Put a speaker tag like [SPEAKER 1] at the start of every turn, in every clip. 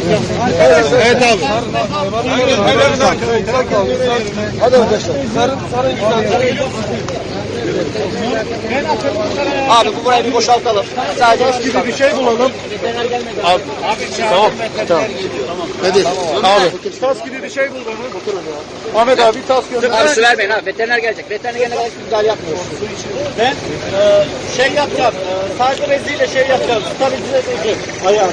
[SPEAKER 1] Evet abi.
[SPEAKER 2] Hadi arkadaşlar.
[SPEAKER 3] Abi bu burayı bir boşaltalım. Sadece
[SPEAKER 2] Gibi bir şey bulalım.
[SPEAKER 1] Abi. Tamam.
[SPEAKER 2] Hadi.
[SPEAKER 1] Abi.
[SPEAKER 2] Tas gibi bir şey bul bana. Ahmet abi tas gönder.
[SPEAKER 3] Abi su vermeyin abi. Veteriner gelecek. Veteriner gelene kadar müdahale yapmıyoruz.
[SPEAKER 4] Ben şey yapacağım. Sadece beziyle şey yapacağım. Stabilize ayağını.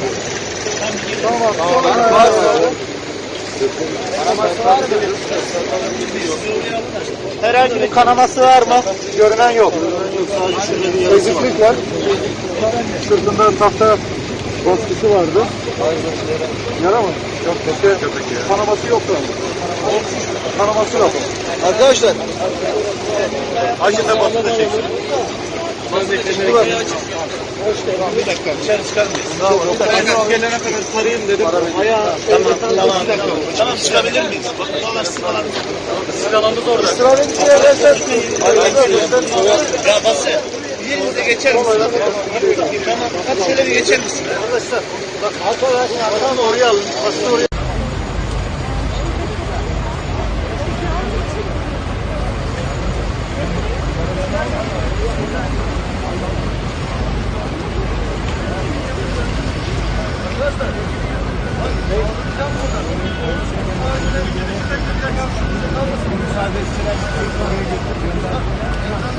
[SPEAKER 4] Herhangi bir kanaması var mı?
[SPEAKER 2] Görünen yok. Eziklik var. Sırtında tahta baskısı vardı. Yara mı? Yok. Kanaması yoktu. Kanaması yok. Arkadaşlar.
[SPEAKER 1] Acıda basın da çeksin.
[SPEAKER 4] Bir dakika. Dışarı çıkar mıyız?
[SPEAKER 1] Ben gelene kadar sarayım dedim.
[SPEAKER 4] Tamam çıkabilir miyiz? Silahlarımız orada.
[SPEAKER 2] Sırada bir şey versen.
[SPEAKER 4] Ya Basri. Yerinize geçer misin? Tamam. Hadi şöyle bir geçer misin?
[SPEAKER 2] Arkadaşlar. Adamı oraya alın. Basını oraya.
[SPEAKER 4] Müsaade etsinler.